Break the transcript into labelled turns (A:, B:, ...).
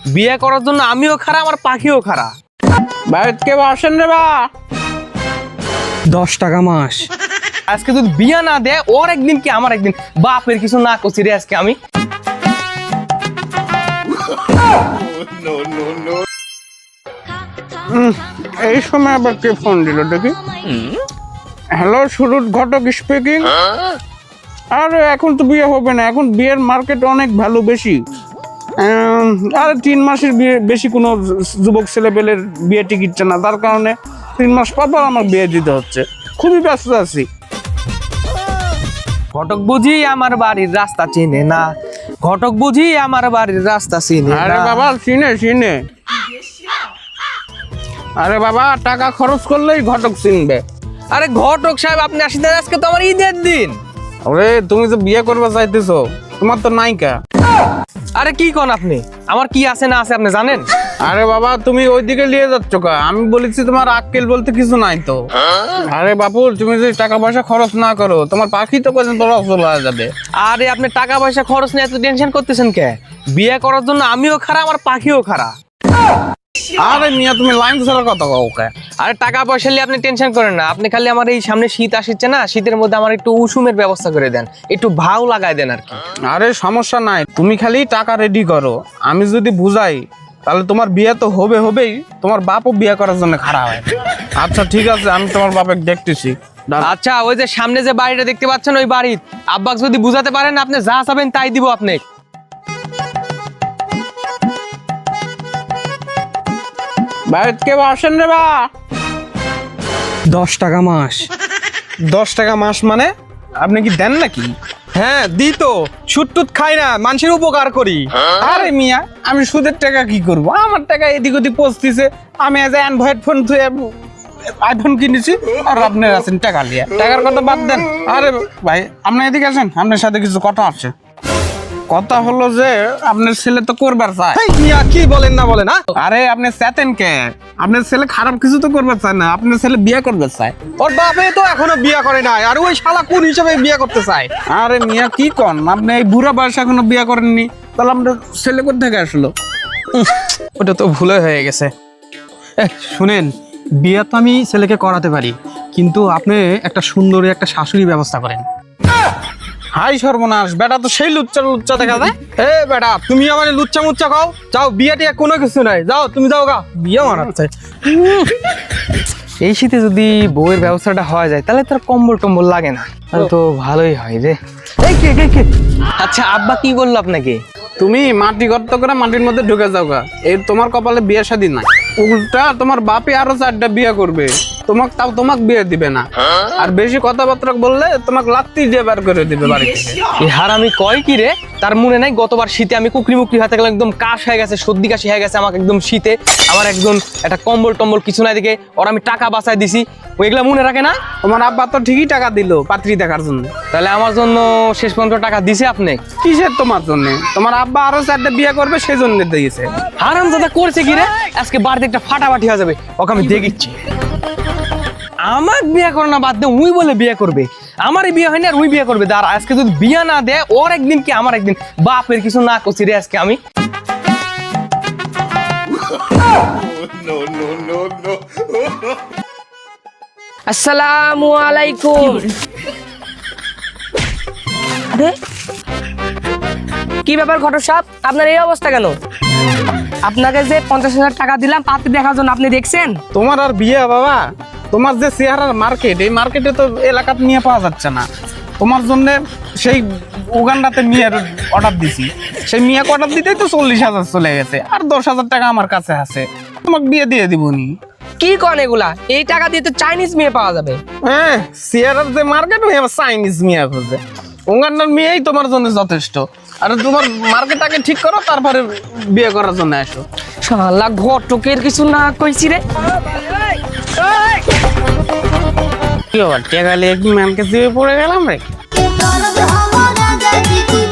A: বিয়ে করার জন্য আমিও খারাপ, আমার পাখিও খারাপ।
B: বাড়িতে কেউ আসেন রে বা?
A: 10 টাকা মাস। আজকে যদি বিয়ে না দেয়, ওর একদিন কি আমার একদিন। বাপের কিছু না করছি রে আজকে আমি।
B: এই সময় আবার কে ফোন দিল দেখি? Hello, Surut Ghatak speaking. আরে এখন তো বিয়ে হবে না, এখন বিয়ের মার্কেট অনেক ভ্যালু বেশি। আর 3 মাসের বিয়ে বেশি কোনো যুবক ছেলেপেলের বিয়ে টিকিটছে না, তার কারণে 3 মাস পর পর আমার বিয়ে দিতে হচ্ছে। খুবই ব্যস্ত আছি।
A: ঘটক বুঝি আমার বাড়ির রাস্তা চিনে না, ঘটক বুঝি আমার বাড়ির রাস্তা চিনে না।
B: আরে বাবা চিনে। আরে বাবা টাকা খরচ করলেই ঘটক চিনবে।
A: আরে ঘটক সাহেব আপনি আসেন, আজকে তো আমার ঈদের দিন।
B: আরে তুমি যে বিয়ে করবে চাইতেছো, তোমার তো নায়িকা।
A: আরে কি কোন আপনি? আমার কি আছে না আছে আপনি জানেন?
B: আরে বাবা তুমি ওইদিকে নিয়ে যাচ্ছ কা? আমি বলেছি তোমার আক্কেল বলতে কিছু নাই তো। আরে বাপু তুমি যদি টাকা পয়সা খরচ না করো, তোমার পাখি তো পর্যন্ত চলে যাবে।
A: আরে আপনি টাকা পয়সা খরচ নিয়ে এত টেনশন করতেছেন কে? বিয়ে করার জন্য আমিও খারাপ, আমার পাখিও খারাপ।
B: আরে মিয়া তুমি লাইন ছাড়া কথা কও কে?
A: আরে টাকা পয়সা নিয়ে আপনি টেনশন করেন না, আপনি খালি আমার এই সামনে শীত আসছে না, শীতের মধ্যে আমার একটু উষুমের ব্যবস্থা করে দেন, একটু ভাও লাগাই দেন আর কি।
B: আরে সমস্যা নাই, তুমি খালি টাকা রেডি করো। আমি যদি বুঝাই তাহলে তোমার বিয়ে তো হবেই, তোমার বাপও বিয়ে করার জন্য খারাপ হয়। আচ্ছা ঠিক আছে, আমি তোমার বাপকে দেখতেছি।
A: আচ্ছা ওই যে সামনে যে বাড়িটা দেখতে পাচ্ছেন, ওই বাড়ির আব্বাকে যদি বুঝাতে পারেন, আপনি যা চাবেন তাই দিব আপনি।
B: বাড়িতে কেউ আসেন রে বা?
A: 10 টাকা মাস।
B: 10 টাকা মাস মানে আপনি কি দেন নাকি?
A: হ্যাঁ দি তো, সুদ টুত খাই না, মানুষের উপকার করি।
B: আরে মিয়া আমি সুদের টাকা কি করব? আমার টাকা এদিক ওদিক পৌঁছতেছে। আমি আজ অ্যান্ড্রয়েড ফোন আইফোন কিনেছি, আর আপনার আছেন টাকা নিয়ে। টাকার কথা বাদ দেন। আরে ভাই আপনি এদিকে আসেন, আপনার সাথে কিছু কথা আছে। কথা হলো যে আপনার ছেলে তো করবার চায়।
A: মিয়া কি বলেন না বলেন?
B: আরে আপনি চেতেন কে? আপনার ছেলে খারাপ কিছু তো করবার চায় না, আপনার ছেলে বিয়ে করবার চায়।
A: ওর বাপে তো এখনো বিয়ে করে নাই, আর ওই শালা কোন হিসাবে বিয়ে করতে চায়?
B: আরে মিয়া কি কন, আপনি এই বুড়া বয়সে এখনো বিয়ে করেননি, তাহলে আপনার ছেলে কোথা থেকে আসলো?
A: ওটা তো ভুলে হয়ে গেছে।
C: শুনেন, বিয়ে তো আমি ছেলেকে করাতে পারি, কিন্তু আপনি একটা সুন্দরী একটা শাশুড়ি ব্যবস্থা করেন।
B: হাই সর্বনাশ, বেটা তো সেই লুচ্চা দেখা যায়।
A: এ বেটা তুমি আমার লুচ্চা মুচ্চা খাও, যাও বিয়ে টিয়া কোনো কিছু নাই, যাও তুমি যাও গা, বিয়ে মারাচ্ছে। এই শীতে যদি বউয়ের ব্যবস্থাটা হয়ে যায়, তাহলে তার কম্বল টম্বল লাগে না, তাহলে তো ভালোই হয় রে। এই কে আচ্ছা আব্বা কি বললো আপনাকে?
B: তুমি মাটি গর্ত করে মাটির মধ্যে ঢুকে যাও গা, এই তোমার কপালে বিয়ে শাদী নাই। উল্টা তোমার বাপে আরো 4টা বিয়ে করবে, তোমাকে বিয়ে দিবে না। আর বেশি কথাবার্তা বললে তোমাকে লাত্তি দিয়ে বার করে দিবে বাড়ি থেকে।
A: এই হারামি কয় কি রে? তার মনে নাই গতবার শীতে আমি কুকরি মুকরি হাতে গেলাম, একদম কাশ হয়ে গেছে, সর্দি কাশি হয়ে গেছে আমাকে একদম শীতে। আমার একদম একটা কম্বল টম্বল কিছু নাই দিকে, ওর আমি টাকা বাঁচাই দিছি, ওইগুলা মনে রাখে না?
B: তোমার আব্বা তো ঠিকই টাকা দিল পাত্রী দেখার জন্য।
A: তাহলে আমার জন্য শেষ পর্যন্ত টাকা দিছে আপনি?
B: কিসের তোমার জন্য? তোমার আব্বা আরো 4টা বিয়ে করবে সেই জন্য দিয়েছে।
A: হারাম দাদা করছে কি রে? আজকে বাড়িতে একটা ফাটাফাটি হয়ে যাবে, ওকে আমি দেখিচ্ছি। আমার বিয়ে করে না বাদ দে, উই বলে বিয়ে করবে। আমারই বিয়ে হয়নি আর উই বিয়ে করবে। আর আজকে যদি বিয়ে না দেয়, ওর একদিন কি আমার একদিন। বাপের কিছু না করছি রে আজকে আমি।
D: আসসালামু আলাইকুম। আরে কি ব্যাপার ঘটক সাহেব, আপনার এই অবস্থা কেন? আপনাকে যে 50,000 টাকা দিলাম পাত্রী দেখার জন্য, আপনি দেখছেন?
B: তোমার আর বিয়ে বাবা? তোমার যে চেহারার মার্কেট, এই মার্কেটে তো এলাকাতে নিয়ে পাওয়া যাচ্ছে না। তোমার জন্য সেই উগান্ডাতে মিয়ার অর্ডার দিছি, সেই মিয়াকে অর্ডার দিতেই তো 40,000 চলে গেছে, আর 10,000 টাকা আমার কাছে আছে, তোমাকে বিয়ে দিয়ে দিবনি।
D: কি কন এগুলা? এই টাকা দিয়ে তো চাইনিজ মেয়ে পাওয়া যাবে।
B: হ্যাঁ চেহারার যে মার্কেট, ওই আবার চাইনিজ মিয়া খোঁজে। উগান্ডার মেয়েই তোমার জন্য যথেষ্ট। আর তোমার মার্কেট আগে ঠিক করো, তারপরে বিয়ে করার জন্য আসো।
D: শালা ঘটকের কিছু না কইছি রে।
B: কি আবার টেকালে কি ম্যানকে দিয়ে পড়ে গেলাম রে।